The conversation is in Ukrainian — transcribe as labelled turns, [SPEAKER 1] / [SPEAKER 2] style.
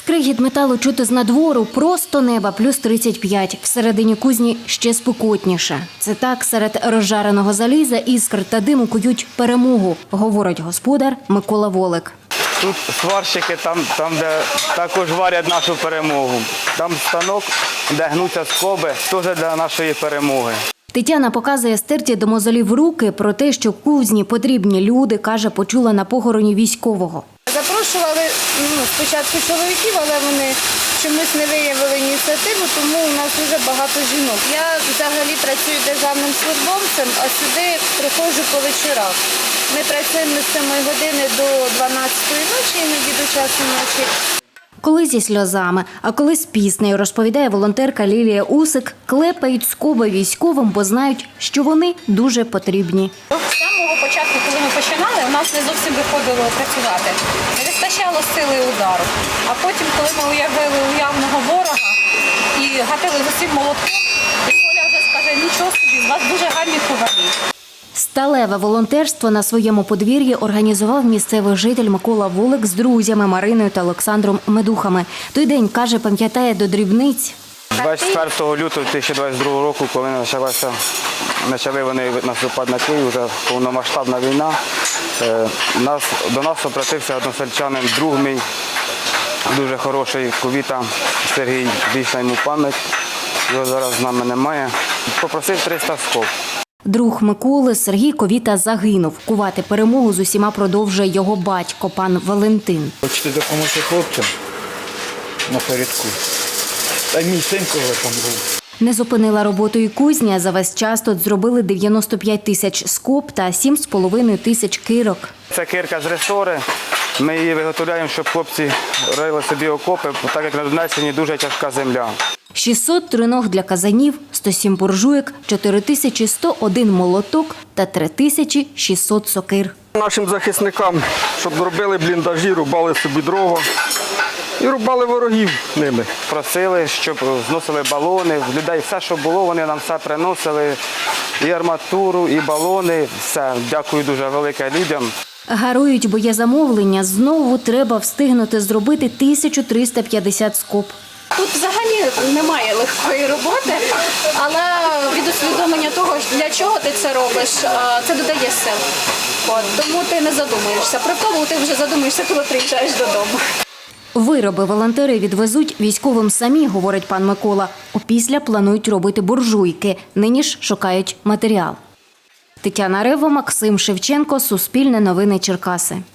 [SPEAKER 1] Скригіт металу чути з надвору, просто неба плюс 35. Всередині кузні ще спекотніше. Це так, серед розжареного заліза, іскр та диму кують перемогу, говорить господар Микола Волик.
[SPEAKER 2] Тут сварщики, там де також варять нашу перемогу. Там станок, де гнуться скоби, теж для нашої перемоги.
[SPEAKER 1] Тетяна показує стерті до мозолів руки про те, що кузні потрібні люди, каже, почула на похороні військового.
[SPEAKER 3] Запрошували спочатку чоловіків, але вони чомусь не виявили ініціативу, тому у нас дуже багато жінок. Я взагалі працюю державним службовцем, а сюди приходжу по вечорах. Ми працюємо з 7 години до 12-ї ночі, іноді до часу ночі.
[SPEAKER 1] Коли зі сльозами, а коли з піснею, розповідає волонтерка Лілія Усик, клепають скоби військовим, бо знають, що вони дуже потрібні.
[SPEAKER 4] З самого початку, коли ми починали, у нас не зовсім виходило працювати. Не вистачало сили удару. А потім, коли ми уявили уявного ворога і гатили з усім молотком, і Коля вже скаже, нічого собі, з вас дуже гарні ковалі.
[SPEAKER 1] Сталеве волонтерство на своєму подвір'ї організував місцевий житель Микола Волик з друзями Мариною та Олександром Медухами. Той день, каже, пам'ятає до дрібниць.
[SPEAKER 2] 24 лютого 2022 року, коли почали вони наступати на Київ, вже повномасштабна війна, до нас обратився односельчанин, друг мій, дуже хороший, Ковіта Сергій, вічна йому пам'ять, його зараз з нами немає. Попросив 300 скоб.
[SPEAKER 1] Друг Миколи Сергій Ковіта загинув. Кувати перемогу з усіма продовжує його батько, пан Валентин.
[SPEAKER 5] Хочете допомогти хлопцям на передку. Та й мій син коли там був.
[SPEAKER 1] Не зупинила роботу і кузня. За весь час тут зробили 95 тисяч скоб та 7,5 тисяч кирок.
[SPEAKER 2] Це кирка з ресори. Ми її виготовляємо, щоб хлопці рили собі окопи, так як на Донеччині дуже тяжка земля.
[SPEAKER 1] 600 триног для казанів, 107 буржуєк, 4101 молоток та 3600 сокир.
[SPEAKER 6] Нашим захисникам, щоб робили бліндажі, рубали собі дрова і рубали ворогів ними.
[SPEAKER 2] Просили, щоб зносили балони, в людей все, що було, вони нам все приносили, і арматуру, і балони, все. Дякую дуже велике людям.
[SPEAKER 1] Гарують, бо є замовлення. Знову треба встигнути зробити 1350 скоб.
[SPEAKER 4] Тут взагалі немає легкої роботи, але від усвідомлення того, для чого ти це робиш, це додає сил. Тому ти не задумуєшся. Про тому ти вже задумуєшся, коли приїжджаєш додому.
[SPEAKER 1] Вироби волонтери відвезуть військовим самі, говорить пан Микола. Опісля планують робити буржуйки. Нині ж шукають матеріал. Тетяна Рева, Максим Шевченко, Суспільне новини Черкаси.